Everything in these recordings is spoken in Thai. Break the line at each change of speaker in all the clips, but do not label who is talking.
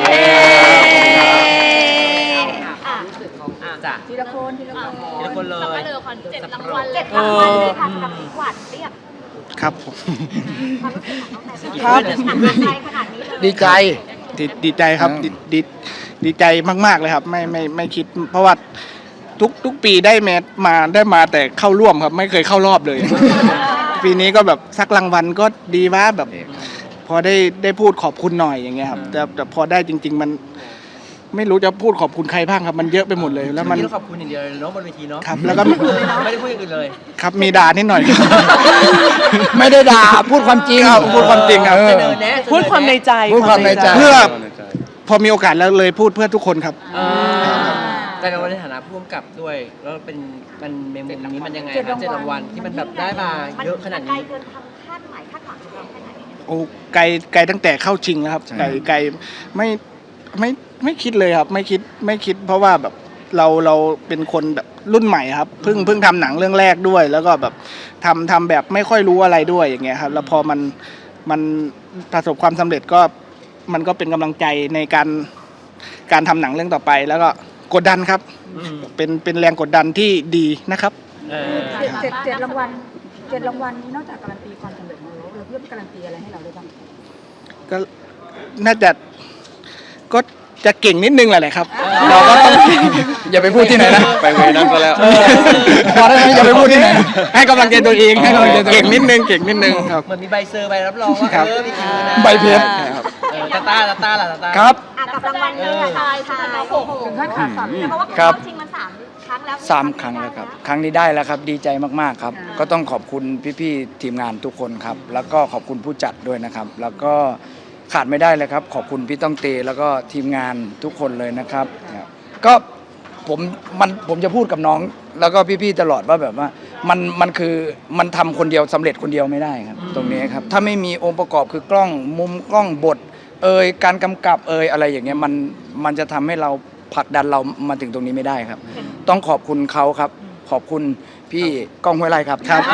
จ้ะ
ทีละคน
เลย
สับปะเลอคอน7 รางวัล
7 รางวัลเลยค่ะสำหรับหวานเรียบ
ครับผม
ความรู้สึกของน้องแต่
ครับ
ใจขนาดนี้เลย
ดีใจดีใจครับดีใจมากๆเลยครับไม่คิด เพราะว่าทุกปีได้มาแต่เข้าร่วมครับไม่เคยเข้ารอบเลย ปีนี้ก็แบบสักรางวัลก็ดีว่าแบบ พอได้พูดขอบคุณหน่อยอย่างเงี้ยครับแต่พอได้จริง ๆ มันไม่รู้จะพูดขอบคุณใครบ้างครับมันเยอะไปหมดเลยแล้วมัน
ขอบคุณอย่างเดียวเลยเนาะบนเวทีเนาะ
ครับแล้วก็
ไม่ได้พูดอย่างอื่นเลย
ครับมีด่านิดหน่อย
ไม่ได้ด่าพูดความจริง
พูดความจริงครับ
พูดความในใจ
พูดความในใจ
เพื่อพอมีโอกาสแล้วเลยพูดเพื่อทุกคนครับ
แต่ในฐานะผู้กำกับด้วยแล้วมันเมมนี้มันยังไงครับ7 รางวัลที่มันแบบได้มาเยอะขนาดนี้
ไกลเกินความคาดหมายคาดหวังของเราแค่ไหน
โอ้ไกลตั้งแต่เข้าชิงแล้วครับไกลไม่คิดเลยครับไม่คิดเพราะว่าแบบเราเป็นคนแบบรุ่นใหม่ครับเพิ่งทำหนังเรื่องแรกด้วย แล้วก็แบบทำแบบไม่ค่อยรู้อะไรด้วยอย่างเงี้ยครับแล้วพอมันประสบความสำเร็จก็มันก็เป็นกำลังใจในการทำหนังเรื่องต่อไป แล้วก็กดดันครับเป็นแรงกดดันที่ดีนะครับ
เจ็ดรางวัลนี้นอกจากการันตีความสำเร็จของเราเพิ่มการันตีอะไรให้เราด้วยบ้าง
ก็น่าจะก็จะเก่งนิดนึงแหละครับเราก็ต้อง
อย่าไปพูดที่ไหนนะ
ไปเวนั้นก็แล้ว
พอได้ไหมอย่าไปพูดที่ไหน
ให้กำลังใจตัวเองให้กำลังใจเก่งนิดนึงครับ
เหมือนมีใบเซอร์ใบรับรองว่ามีคิวนะ
ใบเพชร
ตาต้า
ครับ
กับรางวัลนี้ค่ะทายถึงขั้นขาสั่นเพราะว่าเข้าชิงมัน3 ครั้งแล้ว
3 ครั้งแล้วครับครั้งนี้ได้แล้วครับดีใจมากๆครับก็ต้องขอบคุณพี่ๆทีมงานทุกคนครับแล้วก็ขอบคุณผู้จัดด้วยนะครับแล้วก็ขาดไม่ได้เลยครับขอบคุณพี่ต้องเตแล้วก็ทีมงานทุกคนเลยนะครับก็ผมจะพูดกับน้องแล้วก็พี่ๆตลอดว่าแบบว่ามันคือมันทำคนเดียวสำเร็จคนเดียวไม่ได้ครับตรงนี้ครับถ้าไม่มีองค์ประกอบคือกล้องมุมกล้องบทการกำกับอะไรอย่างเงี้ยมันจะทำให้เราผลักดันเรามาถึงตรงนี้ไม่ได้ครับต้องขอบคุณเขาครับขอบคุณพี่ก้องห้วยไร่ครับ
ครับ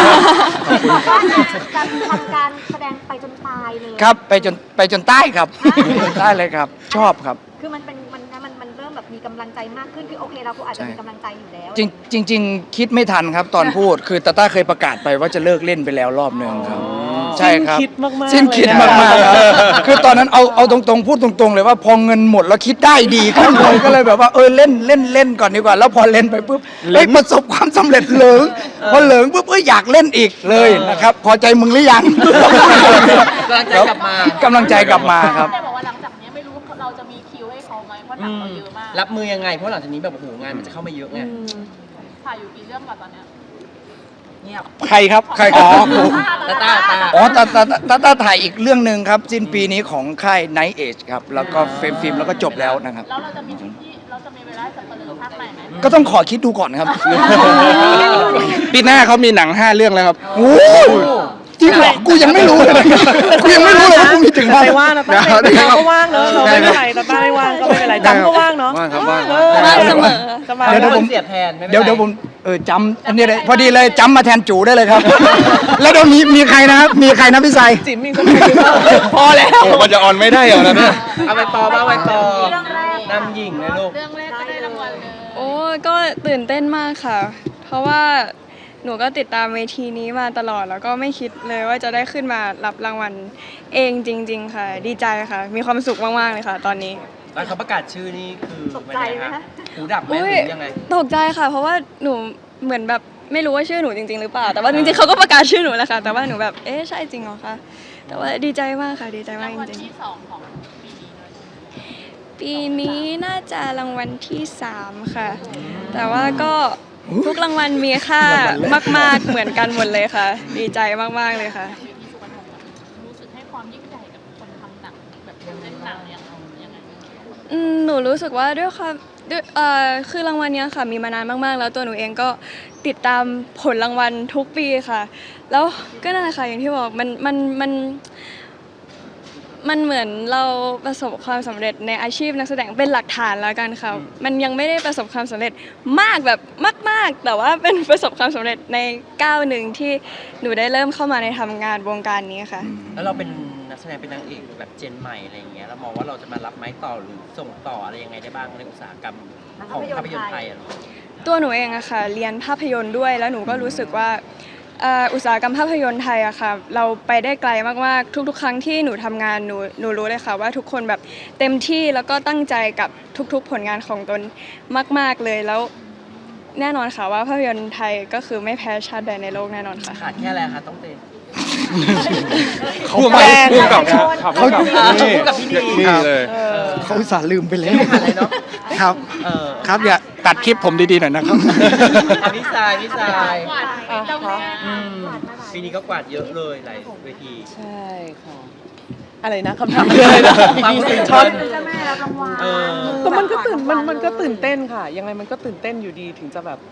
การทำการแสดงไปจนตายเลย
ครับไปจนใต้ครับได้เลยครับชอบครับ
คือมันเริ่มแบบมีกำลังใจมากขึ้นคือโอเคเราก็อาจจะมีกำลังใจอยู่แล้ว
จริงคิดไม่ทันครับตอนพูดคือตาต้าเคยประกาศไปว่าจะเลิกเล่นไปแล้วรอบหนึ่งครับใช่ครับสิ้นคิดมากๆครับคือตอนนั้นเอาตรงๆพูดตรงๆเลยว่าพอเงินหมดแล้วคิดได้ดีครับเลยก็เลยแบบว่าเล่นก่อนดีกว่าแล้วพอเล่นไปปุ๊บประสบความสำเร็จเหลิงพอเหลิงปุ๊บอยากเล่นอีกเลยนะครับพอใจมึงหรือยังกำลังใจกลับมาครับ
แต่บอกว่าหลังจากนี้ไม่รู้เราจะมีคิวให้เขาไหมเพราะหนังเราเยอะมาก
รับมือยังไงเพราะหลังจากนี้แบบโอ้โหงานมันจะเข้ามาเยอะไง
ถ่ายอยู่กี่เรื่องก่อนตอนเนี้ย
ใครครับ
อ๋อ
ตา
ตาถ่ายอีกเรื่องหนึ่งครับสิ้นปีนี้ของค่าย Night Age ครับแล้วก็เฟรมฟิล์มแล้วก็จบแล้วนะครับ
แล้วเราจะมีเวลาสัปเหร่อภาคใหม่ไหม
ก็ต้องขอคิดดูก่อนครับ
ปีหน้าเขามีหนัง5 เรื่องแล้วครับ
โอ้จริงเหรอกูยังไม่รู้เลยกูยังไม่รู้เลยว่ากูมีถึง
ไม่ว่างนะต้าก็ว่างเนอะเราไม่เป็นไรต้าไม่ว่างก็ไม่เป็นไรจำก็ว่างเนาะ
ว่างครับว่าง
เสมอ
เดี๋ยวผม
เสียบแทน
เดี๋ยวผมจำอันนี้เลยพอดีเลยจำมาแทนจูได้เลยครับแล้วเดี๋ยวมีใครนะครับมีใครนะพี่ไซ
จิ๋มมีคนพอแล้ว
มันจะออนไม่ได้เหรอเนี่ย
เอาไปปอน้ำหญิงเลยลูก
เรื่องแรกก็ได้รางวัลเลย
โอ้ก็ตื่นเต้นมากค่ะเพราะว่าหนูก็ติดตามเวทีนี้มาตลอดแล้วก็ไม่คิดเลยว่าจะได้ขึ้นมารับรางวัลเองจริงๆค่ะดีใจค่ะมีความสุขมากๆเลยค่ะตอนนี้
ตอนเขาประกาศชื่อนี่คือ
ตกใจไหมคะ
หูดับไหมหรือยังไง
ตกใจค่ะเพราะว่าหนูเหมือนแบบไม่รู้ว่าชื่อหนูจริงๆหรือเปล่าแต่ว่าจริงๆเขาก็ประกาศชื่อหนูแหละค่ะแต่ว่าหนูแบบใช่จริงเหรอคะแต่ว่าดีใจมากค่ะดีใจมากจริงๆ
ที่2ของ
ปีนี้น่าจะรางวัลที่3ค่ะแต่ว่าก็ทุกรางวัลมีค่ามากๆเหมือนกันหมดเลยค่ะดีใจมากๆเลยค่ะ
รู้สึกให้ความยิ่งใหญ่กับคนทำหนังแบบเล่นหนังยังไง
หนูรู้สึกว่าด้วยความคือรางวัลนี้ค่ะมีมานานมากๆแล้วตัวหนูเองก็ติดตามผลรางวัลทุกปีค่ะแล้วก็นั่นแหละค่ะอย่างที่บอกมันเหมือนเราประสบความสำเร็จในอาชีพนักแสดงเป็นหลักฐานแล้วกันค่ะมันยังไม่ได้ประสบความสำเร็จมากแบบมากๆแต่ว่าเป็นประสบความสำเร็จในก้าวหนึ่งที่หนูได้เริ่มเข้ามาในทำงานวงการนี้ค่ะ
แล้วเราเป็นนนักแสดงเป็นนางเอกแบบเจนใหม่อะไรอย่างเงี้ยเรามองว่าเราจะมารับไม้ต่อหรือส่งต่ออะไรยังไงได้บ้างในอุตสาหกรรมของภาพยนตร์ไทยอะ
ตัวหนูเองอะค่ะเรียนภาพยนตร์ด้วยแล้วหนูก็รู้สึกว่าอุตสาหกรรมภาพยนตร์ไทยอะค่ะเราไปได้ไกลมากๆทุกๆครั้งที่หนูทำงานหนูรู้เลยค่ะว่าทุกคนแบบเต็มที่แล้วก็ตั้งใจกับทุกๆผลงานของตนมากๆเลยแล้วแน่นอนค่ะว่าภาพยนตร์ไทยก็คือไม่แพ้ชาติใดในโลกแน่นอนค่ะ
ขาดแค่อะไรคะต้องเต้น
เขาแปลงกับเขากับพี่ดีนี่เลย
เขาอุตส่าห์ลืมไปแล้ว
ไม่ขาดอะไรเนาะ
ครับ ครับอย่าตัดคลิปผมดีๆหน่อยนะครับ
พี่ทราย
กวาดเจ้าแม่
ปีนี้ก็กวาดเยอะเลยหลายเวที
ใช่ค่ะอะไรนะคำถามเลยนะ
ความตื่น
ช็อต
เต้น
เจ้าแม่รับรางวัล
ก็มันก็ตื่นเต้นค่ะ ยังไงมันก็ตื่นเต้นอยู่ดีถึงจะแบบ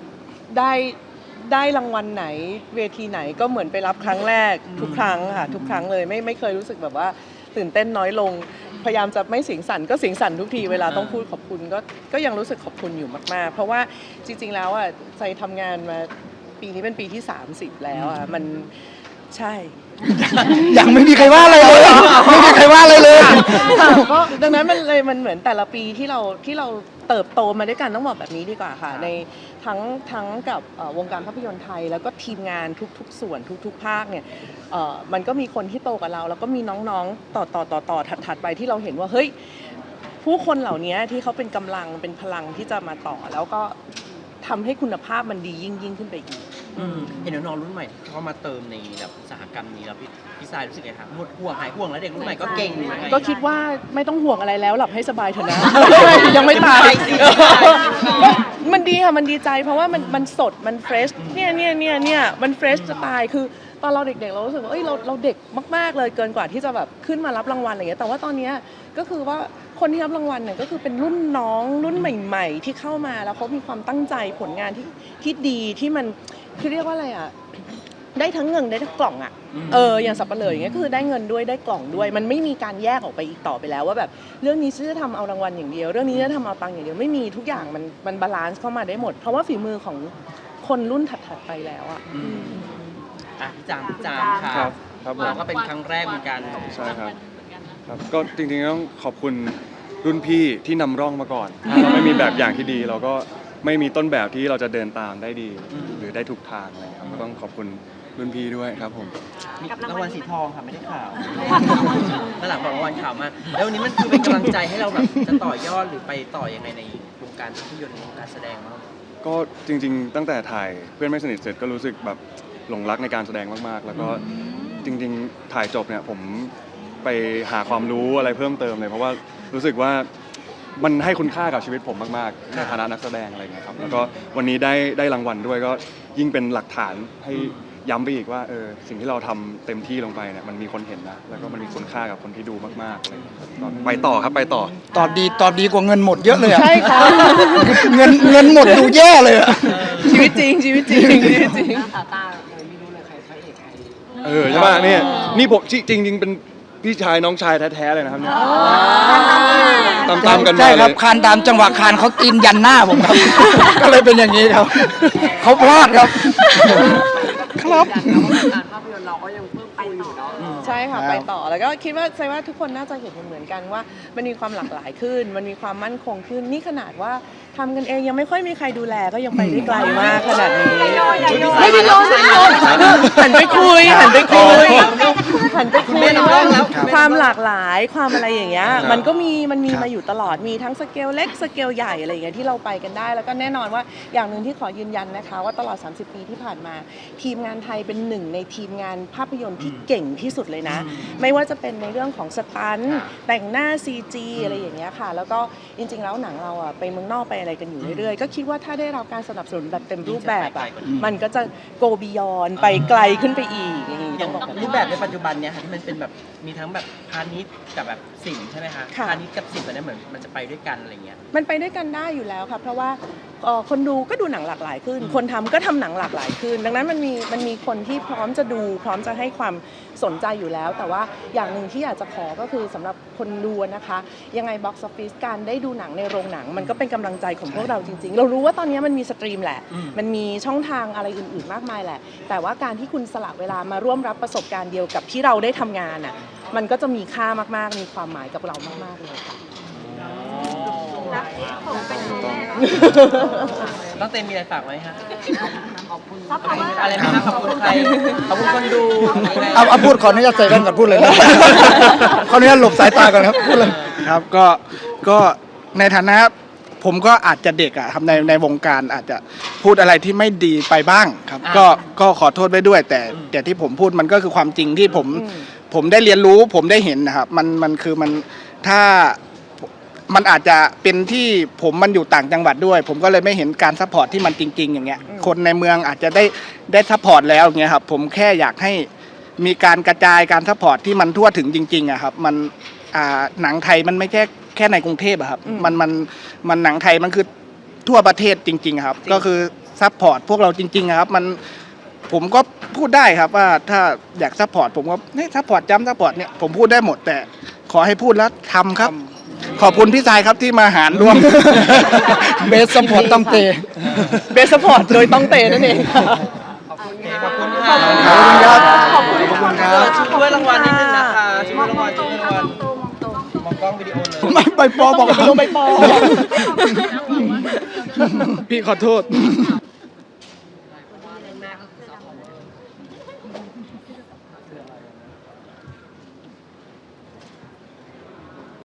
ได้รางวัลไหนเวทีไหนก็เหมือนไปรับครั้งแรกทุกครั้งค่ะทุกครั้งเลยไม่เคยรู้สึกแบบว่าตื่นเต้นน้อยลง พยายามจะไม่เสียงสั่นก็เสียงสั่นทุกทีเวลาต้องพูดขอบคุณก็ยังรู้สึกขอบคุณอยู่มากๆ เพราะว่าจริงๆแล้วอ่ะใจทำงานมาปีนี้เป็นปีที่30แล้วอ่ะมันใช่
ยังไม่มีใครว่าอะไรเลยไม่มีใครว่าอะไรเลย
ก็ดังนั้นมันเหมือนแต่ละปีที่เราเติบโตมาด้วยกันต้องบอกแบบนี้ดีกว่าค่ะในทั้งกับวงการภาพยนตร์ไทยแล้วก็ทีมงานทุกส่วนทุกภาคเนี่ยมันก็มีคนที่โตกว่าเราแล้วก็มีน้องๆต่อถัดไปที่เราเห็นว่าเฮ้ยผู้คนเหล่านี้ที่เขาเป็นกำลังเป็นพลังที่จะมาต่อแล้วก็ทำให้คุณภาพมันดียิ่งขึ้นไปอีก
เห็นน้องๆรุ่นใหม่เข้ามาเติมในแบบอุตสาหกรรมนี้แล้วพี่ทรายรู้สึกไงคะหมดห่วงหายห่วงแล้วเด็กรุ่นใหม่ก็เก่งอยู่ไง
ก็คิดว่าไม่ต้องห่วงอะไรแล้วหลับให้สบายเถอะนะ ยังไม่ตาย มันดีค่ะมันดีใจเพราะว่ามันสดมันเฟรชเนี่ยมันเฟรชจะตายคือตอนเราเด็กๆเรารู้สึกว่าเอ้ยเราเด็กมากๆเลยเกินกว่าที่จะแบบขึ้นมารับรางวัลอะไรอย่างเงี้ยแต่ว่าตอนเนี้ยก็คือว่าคนที่รับรางวัลเนี่ยก็คือเป็นรุ่นน้องรุ่นใหม่ๆที่เข้ามาแล้วเขามีความตั้งใจผลงานที่ดีที่มันคือเรียกว่าอะไรอ่ะได้ทั้งเงินได้ทั้งกล่องอ่ะอย่างสับปะเลออย่างเงี้ยก็คือได้เงินด้วยได้กล่องด้วยมันไม่มีการแยกออกไปอีกต่อไปแล้วว่าแบบเรื่องนี้จะทำเอารางวัลอย่างเดียวเรื่องนี้จะทำเอาตังค์อย่างเดียวไม่มีทุกอย่างมันบาลานซ์เข้ามาได้หมดเพราะว่าฝีมือของคนรุ่นถัดๆไปแล้วอ่ะ
พี่จามค่ะ
ครับผม
เราก็เป็นครั้งแรกเหมือนกัน
ใช่ครับ ครับก็จริงๆต้องขอบคุณรุ่นพี่ที่นำร่องมาก่อนเราไม่มีแบบอย่างที่ดี เราก็ไม่มีต้นแบบที่เราจะเดินตามได้ดี หรือได้ทุกทางอะไรครับก็ต้องขอบคุณรุ่นพี่ด้วยครับผม
มีรางวัลสีทองค่ะไม่ได้ข่าวแล้วหลังบอกรางวัลข่าวมาแล้ววันนี้มันคือเป็นกำลังใจให้เราแบบจะต่อยอดหรือไปต่อยังไงในวงการภาพยนตร์วงการแสดงบ้าง
ก็จริงๆตั้งแต่ถ่ายเพื่อนไม่สนิทเสร็จก็รู้สึกแบบหลงรักในการแสดงมากๆแล้วก็จริงๆถ่ายจบเนี่ยผมไปหาความรู้อะไรเพิ่มเติมเลยเพราะว่ารู้สึกว่ามันให้คุณค่ากับชีวิตผมมากๆในฐานะนักแสดงอะไรเงี้ยครับแล้วก็วันนี้ได้รางวัลด้วยก็ยิ่งเป็นหลักฐานให้ย้ำไปอีกว่าสิ่งที่เราทำเต็มที่ลงไปเนี่ยมันมีคนเห็นนะแล้วก็มันมีคุณค่ากับคนที่ดูมากๆอะไรเงี้ยไปต่อครับไปต่อ
ตอบดีกว่าเงินหมดเยอะเลยอะ
ใช่ค่ะ
เงินหมดดูแย่เลยอะ
ชีวิตจริง
ใช่ป่ะเนี่ยนี่ผมจริงๆเป็นพี่ชายน้องชายแท้ๆเลยนะครับเนี่ยตามกันมา
ใช่
เล
ครับ
ย
คานตามจังหวะคานเขาตีนยันหน้าผมครับ ก็เลยเป็นอย่างนี้ครับเขาพลาดครับ ครับ
ใช่ค่ะ
ครับ
ไปต่อแล้วก็คิดว่าทุกคนน่าจะเห็นเหมือนกันว่ามันมีความหลากหลายขึ้น มันมีความมั่นคงขึ้นนี่ขนาดว่าทำกันเองยังไม่ค่อยมีใครดูแลก็ยังไปได้ไกลมากขนาดนี้ไม่ได้โดนหันไปคุยความหลากหลายความอะไรอย่างเงี้ยมันมีมาอยู่ตลอดมีทั้งสเกลเล็กสเกลใหญ่อะไรอย่างเงี้ยที่เราไปกันได้แล้วก็แน่นอนว่าอย่างหนึ่งที่ขอยืนยันนะคะว่าตลอด30 ปีที่ผ่านมาทีมงานไทยเป็นหนึ่งในทีมงานภาพยนตร์ที่เก่งที่สุดเลยนะไม่ว่าจะเป็นในเรื่องของสตันท์แต่งหน้า CG อะไรอย่างเงี้ยค่ะแล้วก็จริงๆแล้วหนังเราอ่ะไปเมืองนอกไปอะไรกันอยู่เรื่อยๆก็คิดว่าถ้าได้รับการสนับสนุนแบบเต็มรูปแบบอ่ะมันก็จะโกบิยอนไปไกลขึ้นไปอีกอย่างนี้
อ
ต้
ย่า
อง งบอกแบบ
รูปแบบในปัจจุบันเนี่ยค่ะที่มันเป็นแบบมีทั้งแบบพาณิชย์กับแบบศิลป์ใช่ไหมคะ
ค่ะ
พาณิชย์กับศิลป์ตอนนี้เหมือนมันจะไปด้วยกันอะไรเงี้ย
มันไปด้วยกันได้อยู่แล้วค่ะเพราะว่าคนดูก็ดูหนังหลากหลายขึ้น คนทำก็ทำหนังหลากหลายขึ้น ดังนั้นมันมีคนที่พร้อมจะดูพร้อมจะให้ความสนใจอยู่แล้ว แต่ว่าอย่างหนึ่งที่อยากจะขอก็คือสำหรับคนดูนะคะยังไง Box Office การได้ดูหนังในโรงหนัง มันก็เป็นกำลังใจของพวกเราจริงๆ เรารู้ว่าตอนนี้มันมีสตรีมแหละ มันมีช่องทางอะไรอื่นๆมากมายแหละ แต่ว่าการที่คุณสละเวลามาร่วมรับประสบการณ์เดียวกับที่เราได้ทำงานอ่ะมันก็จะมีค่ามากๆมีความหมายกับเรามากๆเลยค่ะ
ต้องเต็มมีอะไรฝากไว้ฮะ
ซัพพอร์ต
อะไรนะขอบคุณใครขอบคุณคนดูยังไง
เอาพูดขออนุญาตใส่แว่นก่อนพูดเลยนะ ขออนุญาตหลบสายตาก่อนครับพูดเลย
ครับก็ในฐานะผมก็อาจจะเด็กอะครับในวงการอาจจะพูดอะไรที่ไม่ดีไปบ้างครับ ก็ขอโทษไว้ด้วย แต่ที่ผมพูดมันก็คือความจริงที่ผมได้เรียนรู้ผมได้เห็นนะครับมันคือมันถ้ามันอาจจะเป็นที่ผมมันอยู่ต่างจังหวัดด้วย ผมก็เลยไม่เห็นการซัพพอร์ตที่มันจริง ๆ อย่างเงี้ยคนในเมืองอาจจะได้ซัพพอร์ตแล้วอย่างเงี้ยครับผมแค่อยากให้มีการกระจายการซัพพอร์ตที่มันทั่วถึงจริงๆอะครับมันหนังไทยมันไม่แค่ในกรุงเทพอะครับมันหนังไทยมันคือทั่วประเทศจริงๆครับก็คือซัพพอร์ตพวกเราจริงๆอะครับผมก็พูดได้ครับว่าถ้าอยากซัพพอร์ตผมก็ซัพพอร์ตซัพพอร์ตเนี่ยผมพูดได้หมดแต่ขอให้พูดแล้วทำครับ ขอบคุณพี่ชายครับที่มาหารร่วม
เบสสปอร์ตต้องเตะ
เบสพอร์ตโดยต้องเตนั่นเองค่ะ
ขอบคุณค่ะ
ขอบคุณครับ
ช่วยรางวัลนิดนึงนะคะช่วยรางวัล
ตรงค่ะมองตรงมองตรง
มองกล้องวิดีโอเลย
ไม่ไปปอบอก
ลงไปปอ
พี่ขอโทษ